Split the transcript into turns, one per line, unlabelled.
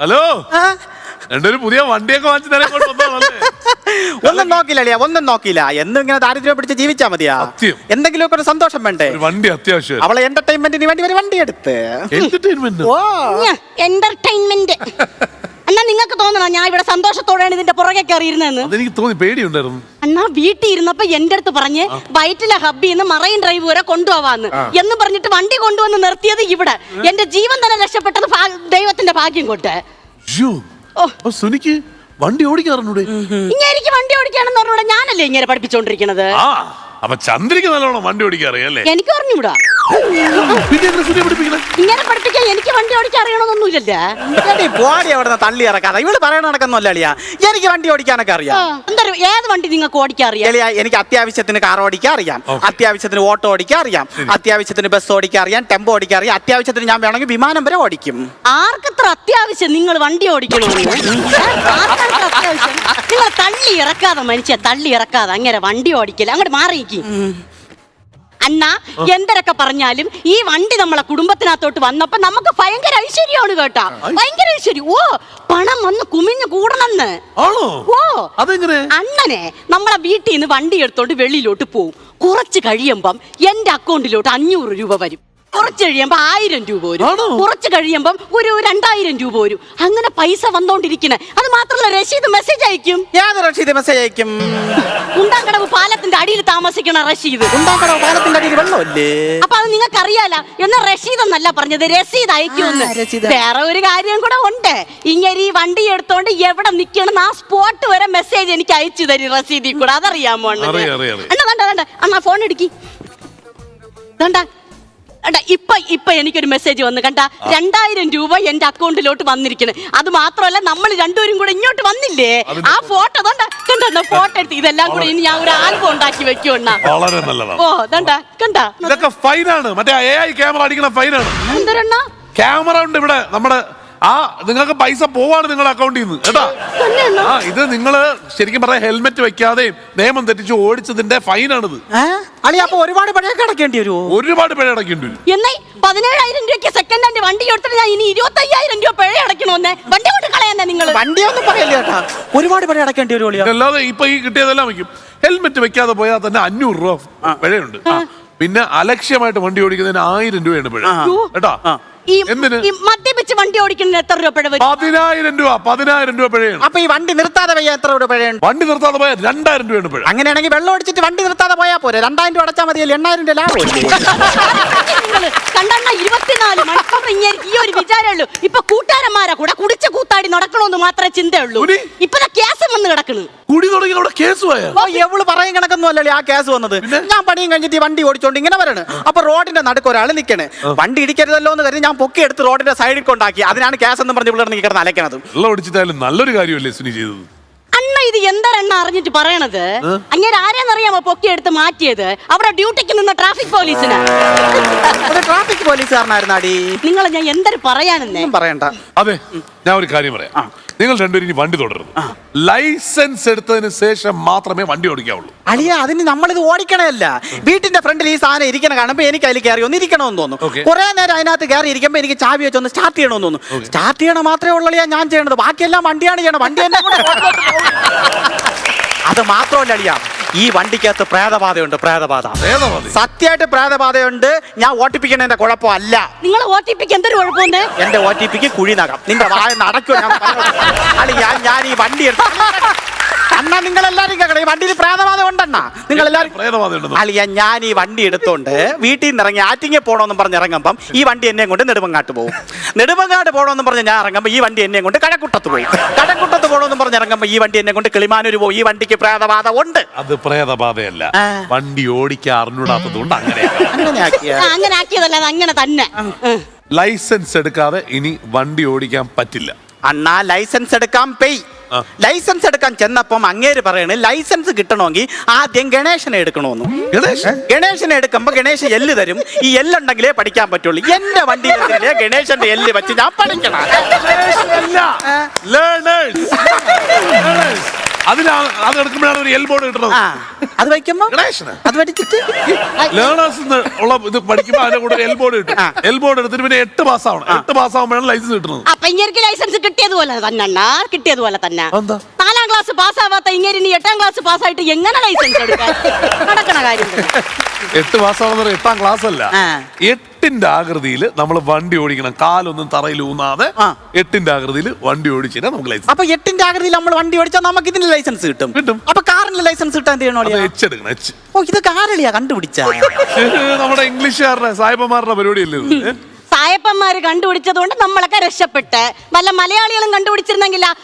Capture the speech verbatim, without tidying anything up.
Hello രണ്ടൊരു പുതിയ വണ്ടിയൊക്കെ വാങ്ങിച്ചു തരാൻ
ഒന്നും നോക്കില്ല ഒന്നും നോക്കില്ല എന്നും ഇങ്ങനെ ദാരിദ്ര്യം പിടിച്ച് ജീവിച്ചാ മതിയാ. എന്തെങ്കിലുമൊക്കെ ഒരു സന്തോഷം വേണ്ടേ?
വണ്ടി അത്യാവശ്യം.
അവളെ എന്റർടൈൻമെന്റിന് വേണ്ടി ഒരു വണ്ടി എടുത്ത്.
എന്റർടൈൻമെന്റ് എന്നാ നിങ്ങൾക്ക് തോന്നണോ ഞാൻ ഇവിടെ സന്തോഷത്തോടെയാണ് ഇതിന്റെ പുറകെ കയറിയിരുന്നെന്ന്?
എനിക്ക് തോന്നി, പേടിയുണ്ടായിരുന്നു.
അന്നാ വീട്ടിൽ ഇരുന്നപ്പോ എന്റെ അടുത്ത് പറഞ്ഞ് വയറ്റിലെ ഹബ്ബിന്ന് മറൈൻ ഡ്രൈവ് വരെ കൊണ്ടുപോവാന്ന് എന്ന് പറഞ്ഞിട്ട് വണ്ടി കൊണ്ടുവന്ന് നിർത്തിയത് ഇവിടെ. എന്റെ ജീവൻ തന്നെ രക്ഷപ്പെട്ടത് ദൈവത്തിന്റെ ഭാഗ്യം കൊണ്ട്.
സുനിക്ക് വണ്ടി ഓടിക്കാറുണ്ട്.
ഇങ്ങനെ വണ്ടി ഓടിക്കാണെന്ന് പറഞ്ഞൂടെ? ഞാനല്ലേ ഇങ്ങനെ പഠിപ്പിച്ചോണ്ടിരിക്കണത്.
അപ്പൊ ചന്ദ്രക്ക് നല്ലോണം വണ്ടി ഓടിക്കാറിയല്ലേ?
എനിക്ക് പറഞ്ഞൂടാ. ഇങ്ങനെ പഠിപ്പിക്കാൻ എനിക്ക് വണ്ടി ഓടിക്കാൻ അറിയണമെന്നൊന്നുമില്ലല്ലേ.
തള്ളി ഇറക്കാതെ ഇവള് പറയണ നടക്കൊന്നുമല്ല അളിയാ. എനിക്ക് വണ്ടി ഓടിക്കാനൊക്കെ അറിയാം.
എന്താ ഏത് വണ്ടി നിങ്ങൾക്ക് ഓടിക്കാൻ അറിയാം?
എനിക്ക് അത്യാവശ്യത്തിന് കാർ ഓടിക്കാൻ അറിയാം, അത്യാവശ്യത്തിന് ഓട്ടോ ഓടിക്കാൻ അറിയാം, അത്യാവശ്യത്തിന് ബസ് ഓടിക്കാൻ അറിയാം, ടെമ്പോ ഓടിക്കാൻ അറിയാം, അത്യാവശ്യത്തിന് ഞാൻ വേണമെങ്കിൽ വിമാനം വരെ ഓടിക്കും.
ആർക്കത്ര അത്യാവശ്യം നിങ്ങൾ വണ്ടി ഓടിക്കണമെന്ന്? അത്യാവശ്യം നിങ്ങൾ തള്ളി ഇറക്കാതെ മനുഷ്യ തള്ളി ഇറക്കാതെ അങ്ങനെ വണ്ടി ഓടിക്കില്ല. അങ്ങോട്ട് മാറിയിരിക്കും അണ്ണാ. എന്തൊക്കെ പറഞ്ഞാലും ഈ വണ്ടി നമ്മളെ കുടുംബത്തിനകത്തോട്ട് വന്നപ്പോ നമുക്ക് ഭയങ്കര ഐശ്വര്യമാണ് കേട്ടാ. ഭയങ്കര ഐശ്വര്യം. ഓ പണം വന്ന് കുമിഞ്ഞു കൂടണമെന്ന്. ഓ അണ്ണനെ നമ്മളെ വീട്ടിൽ നിന്ന് വണ്ടി എടുത്തോണ്ട് വെളിയിലോട്ട് പോവും. കുറച്ച് കഴിയുമ്പം എന്റെ അക്കൗണ്ടിലോട്ട് അഞ്ഞൂറ് രൂപ വരും. കുറച്ച് കഴിയുമ്പോ ആയിരം രൂപ വരും. കുറച്ച് കഴിയുമ്പം ഒരു രണ്ടായിരം രൂപ വരും. അങ്ങനെ പൈസ വന്നോണ്ടിരിക്കണേ. അത് മാത്രമല്ല രശീദ് മെസ്സേജ് അയക്കും.
ഏത് റഷീദ് മെസ്സേജ് അയക്കും?
കുണ്ടാങ്കടവ് പാലത്തിന്റെ അടിയിൽ താമസിക്കണ റഷീദ്.
കുണ്ടാങ്കടവ് പാലത്തിന്റെ അടിയിൽ വെള്ളമല്ലേ?
അപ്പൊ അത് നിങ്ങൾക്ക് അറിയാല. എന്നാ റഷീദ് എന്നല്ല പറഞ്ഞത്, രസീദ് അയക്കുമെന്ന്. വേറെ ഒരു കാര്യം കൂടെ ഉണ്ട്. ഇങ്ങനെ ഈ വണ്ടി എടുത്തോണ്ട് എവിടെ നിക്കണം ആ സ്പോട്ട് വരെ മെസ്സേജ് എനിക്ക് അയച്ചു തരും റസീദിൽ കൂടെ. അതറിയാമോ അണ്ണ? അണ്ണ കണ്ട അണ്ണ ഫോൺ എടുക്കി കണ്ട. ഇപ്പൊ ഇപ്പൊ എനിക്കൊരു മെസ്സേജ് വന്ന് കണ്ട. രണ്ടായിരം രൂപ എന്റെ അക്കൗണ്ടിലോട്ട് വന്നിരിക്കണേ. അത് മാത്രമല്ല നമ്മൾ രണ്ടുപേരും കൂടെ ഇങ്ങോട്ട് വന്നില്ലേ, ആ ഫോട്ടോ കണ്ട ഫോട്ടോ എടുത്ത് ഇതെല്ലാം കൂടെ ഇനി ഞാൻ ഒരു ആൽബം ഉണ്ടാക്കി വെക്കുവണ്ണ. ഓ കണ്ട കണ്ട
ഇതൊക്കെ ഫൈനാണ്. മറ്റേ എ ഐ ക്യാമറ അടിക്കണ ഫൈനാണ്.
എന്തരണ്ണ
ക്യാമറ ഉണ്ട് ഇവിടെ നമ്മുടെ. ആ നിങ്ങൾക്ക് പൈസ പോവാണ് നിങ്ങളുടെ അക്കൗണ്ടിൽ നിന്ന് കേട്ടാ. ആ ഇത് നിങ്ങള് ശരിക്കും പറയാ ഹെൽമെറ്റ് വെക്കാതെയും നിയമം തെറ്റിച്ച് ഓടിച്ചതിന്റെ ഫൈനാണിത്.
അപ്പൊ ഒരുപാട് പിഴ അടക്കേണ്ടി വരുമോ?
ഒരുപാട് പിഴ അടക്കേണ്ടി വരും.
എന്നാ പതിനേഴായിരം രൂപയ്ക്ക് സെക്കൻഡ് ഹാൻഡ് വണ്ടി എടുത്തിട്ട് ഞാൻ ഇനി ഇരുപത്തി അയ്യായിരം രൂപ പിഴ അടക്കണോന്നെ. വണ്ടി കൊണ്ട് കളയാന്നെ നിങ്ങൾ.
വണ്ടിയൊന്നും പറയല്ലേ കേട്ടാ, ഒരുപാട് പിഴ അടക്കേണ്ടി വരുമോ?
അല്ലാതെ ഇപ്പൊ ഈ കിട്ടിയതെല്ലാം വെക്കും. ഹെൽമെറ്റ് വെക്കാതെ പോയാൽ തന്നെ അഞ്ഞൂറ് രൂപ പിഴയുണ്ട്. പിന്നെ അലക്ഷ്യമായിട്ട് വണ്ടി ഓടിക്കുന്നതിന് ആയിരം രൂപയാണ് പിഴ കേട്ടാ.
മദ്യപിച്ച് വണ്ടി ഓടിക്കുന്നതിന് എത്ര രൂപ പിഴ വരും?
പതിനായിരം രൂപ. പതിനായിരം രൂപ പിഴയാണ്.
അപ്പൊ ഈ വണ്ടി നിർത്താതെ പോയാൽ എത്ര രൂപ പിഴയാണ്?
വണ്ടി നിർത്താതെ പോയാൽ രണ്ടായിരം രൂപയാണ് പിഴ.
അങ്ങനെയാണെങ്കിൽ വെള്ളം അടിച്ചിട്ട് വണ്ടി നിർത്താതെ പോയാൽ പോരെ? രണ്ടായിരം രൂപ അടച്ചാൽ മതിയല്ലോ, എണ്ണായിരം രൂപ ലാഭം.
കണ്ടെണ്ണ ഇരുപത്തിനാല് മണിക്കൂർ ഇങ്ങനെ ഈ ഒരു വിചാരമുള്ളൂ. ഇപ്പൊ കൂട്ടുകാരന്മാരെ കൂടെ കുടിച്ച കൂത്താടി നടക്കണമെന്ന് മാത്രമേ ചിന്തയുള്ളൂ. ഇപ്പൊ കേസ് വന്ന് കിടക്കുന്നു.
കുടി തുടങ്ങി അവിടെ കേസ് പോയാ
എവള് പറയും കണക്കൊന്നും അല്ലല്ലോ ആ കേസ് വന്നത്. ഞാൻ പണിയും കഴിഞ്ഞിട്ട് വണ്ടി ഓടിച്ചോണ്ട് ഇങ്ങനെ വരണം. അപ്പൊ റോഡിന്റെ നടുക്ക് ഒരാൾ നിൽക്കണേ. വണ്ടി ഇടിക്കരുതല്ലോ എന്ന് കരുതി ഞാൻ പൊക്കി എടുത്ത് റോഡിന്റെ സൈഡിൽ കൊണ്ടാക്കി. അതിനാണ് കേസ് എന്ന് പറഞ്ഞ് ഇവിടെ കിടന്ന് അലക്കണത്.
നല്ലൊരു കാര്യമല്ലേ സുനി ചെയ്തത്?
അണ്ണ ഇത് എന്താണെന്ന് അറിഞ്ഞിട്ട് പറയണത്? അങ്ങനെ ആരെന്നറിയാമോ പൊക്കി എടുത്ത് മാറ്റിയത്? അവിടെ ഡ്യൂട്ടിക്ക് നിന്ന ട്രാഫിക് പോലീസിന്.
ട്രാഫിക് പോലീസുകാരനായിരുന്നാടി.
നിങ്ങൾ ഞാൻ എന്തൊരു പറയാനെന്നേ
പറയണ്ട.
അതെ ഞാൻ ഒരു കാര്യം പറയാം. നിങ്ങൾ രണ്ടുപേരും ഇനി വണ്ടി തുടരുന്നു. ലൈസൻസ് എടുത്തതിന് ശേഷം മാത്രമേ വണ്ടി ഓടിക്കാവുള്ളൂ.
അളിയ അതിന് നമ്മളിത് ഓടിക്കണല്ല. വീട്ടിന്റെ ഫ്രണ്ടിൽ ഈ സാധനം ഇരിക്കണ കാണുമ്പോ എനിക്ക് അതിൽ കയറി ഒന്ന് ഇരിക്കണമെന്ന് തോന്നുന്നു. കുറെ നേരം അതിനകത്ത് കയറി ഇരിക്കുമ്പോ എനിക്ക് ചാവി വെച്ചൊന്ന് സ്റ്റാർട്ട് ചെയ്യണമെന്ന് തോന്നുന്നു. സ്റ്റാർട്ട് ചെയ്യണം മാത്രമേ ഉള്ളൂ ഞാൻ ചെയ്യണത്. ബാക്കിയെല്ലാം വണ്ടിയാണ് ചെയ്യണം. വണ്ടി തന്നെ അത് മാത്രമല്ല അളിയ, ഈ വണ്ടിക്കകത്ത് പ്രേതബാധയുണ്ട്. പ്രേതബാധ സത്യമായിട്ട് പ്രേതബാധയുണ്ട്. ഞാൻ ഒ ടി പിക്കണതിന്റെ കുഴപ്പമല്ല.
നിങ്ങൾ ഒ ടി പിക്ക് എന്തൊരു കുഴപ്പമുണ്ട്?
എന്റെ ഒ ടി പിക്ക് കുഴി നകം. നിന്റെ വായ നടക്കുക. ഞാൻ ഞാൻ ഈ വണ്ടി എടുത്തു അണ്ണാ. നിങ്ങൾ എല്ലാരും കേൾക്കണം, ഈ വണ്ടിയിൽ പ്രേതബാധ ഉണ്ടെണ്ണ. നിങ്ങൾ എല്ലാവരും അളിയ ഞാൻ ഈ വണ്ടി എടുത്തോണ്ട് വീട്ടിൽ നിന്ന് ഇറങ്ങി ആറ്റിങ്ങ പോകണമെന്നും പറഞ്ഞ് ഇറങ്ങുമ്പം ഈ വണ്ടി എന്നെ കൊണ്ട് നെടുമങ്ങാട്ട് പോകും. നെടുമങ്ങാട്ട് പോകണമെന്നും പറഞ്ഞ് ഞാൻ ഇറങ്ങുമ്പോൾ ഈ വണ്ടി എന്നെ കൊണ്ട് കഴക്കൂട്ടത്ത് പോകും. കഴക്കൂട്ടത്ത് പോകണമെന്നും പറഞ്ഞ് ഇറങ്ങുമ്പോൾ ഈ വണ്ടി എന്നെ കൊണ്ട് കിളിമാനൂർ പോകും. ഈ വണ്ടിക്ക് പ്രേതബാധ ഉണ്ട്.
അത് പ്രേതബാധയല്ല, വണ്ടി ഓടിക്കാൻ അറിഞ്ഞൂടാത്തതുകൊണ്ട് അങ്ങനെ
അങ്ങനെ ആക്കിയതല്ല, അത് അങ്ങനെ തന്നെ.
ലൈസൻസ് എടുക്കാതെ ഇനി വണ്ടി ഓടിക്കാൻ പറ്റില്ല.
അണ്ണാ ലൈസൻസ് എടുക്കാൻ പെയ്. ലൈസൻസ് എടുക്കാൻ ചെന്നപ്പം അങ്ങേര് പറയണേ ലൈസൻസ് കിട്ടണമെങ്കിൽ ആദ്യം ഗണേശനെ എടുക്കണമെന്ന്. ഗണേശനെ എടുക്കുമ്പോ ഗണേശൻ എല്ല് തരും. ഈ എല്ലുണ്ടെങ്കിലേ പഠിക്കാൻ പറ്റുള്ളൂ. എന്റെ വണ്ടിയിലെ ഗണേശന്റെ എല്ല് വെച്ച് ഞാൻ പഠിക്കണം.
അതിനാ അത് എടുക്കുമ്പോഴാണ് ഒരു എൽ ബോർഡ് കിട്ടുന്നത്.
ആ അത് വയ്ക്കുമ്പോ
ഗണേശന്
അത് പഠിച്ചിട്ട്
ലേണേഴ്സ് ഉള്ള ഇത് പഠിക്കുമ്പോ അതിന്റെ കൂടെ എൽ ബോർഡ് കിട്ടും.
ആ.
എൽ ബോർഡ് എടുത്തിട്ട് പിന്നെ എട്ട് പാസ് ആവണം. എട്ട് പാസ് ആവുമ്പോഴാണ് ലൈസൻസ് കിട്ടുന്നത്.
അപ്പൊ ഇങ്ങനെ ലൈസൻസ് കിട്ടിയതുപോലെ തന്നെ അണ്ണാ, കിട്ടിയതുപോലെ തന്നെ.
എന്താ?
നാലാം ക്ലാസ് പാസ്സാവാത്ത ഇങ്ങനെ ഇനി എട്ടാം ക്ലാസ് പാസ്സായിട്ട് എങ്ങനെ ലൈസൻസ് എടുക്കാൻ നടക്കണ കാര്യം തന്നെ.
എട്ട് പാസ്സാവുന്ന എട്ടാം ക്ലാസ് അല്ല,
ആ.
എട്ടിന്റെ ആകൃതിയിൽ നമ്മൾ വണ്ടി ഓടിക്കണം. കാലൊന്നും തറയിൽ ഊന്നാതെ
ആ.
എട്ടിന്റെ ആകൃതിയിൽ വണ്ടി ഓടിച്ചാൽ നമുക്ക് ലൈസൻസ്.
അപ്പൊ എട്ടിന്റെ ആകൃതിയിൽ നമ്മൾ വണ്ടി ഓടിച്ചാൽ നമുക്ക് ഇതിന് ലൈസൻസ് കിട്ടും.
കിട്ടും.
അപ്പൊ കാറിന് ലൈസൻസ് കിട്ടാൻ എന്ത് ചെയ്യണോ?
എച്ച് എടുക്കണം. എച്ച്.
ഓ ഇത് കാരളിയാ കണ്ടുപിടിച്ച
നമ്മുടെ ഇംഗ്ലീഷുകാരുടെ സായിപ്പന്മാരുടെ പരിപാടിയല്ലേ ഇത്?
സായപ്പന്മാര് കണ്ടുപിടിച്ചത് കൊണ്ട് നമ്മളൊക്കെ രക്ഷപ്പെട്ട്. വല്ല മലയാളികളും കണ്ടുപിടിച്ചിരുന്നെങ്കില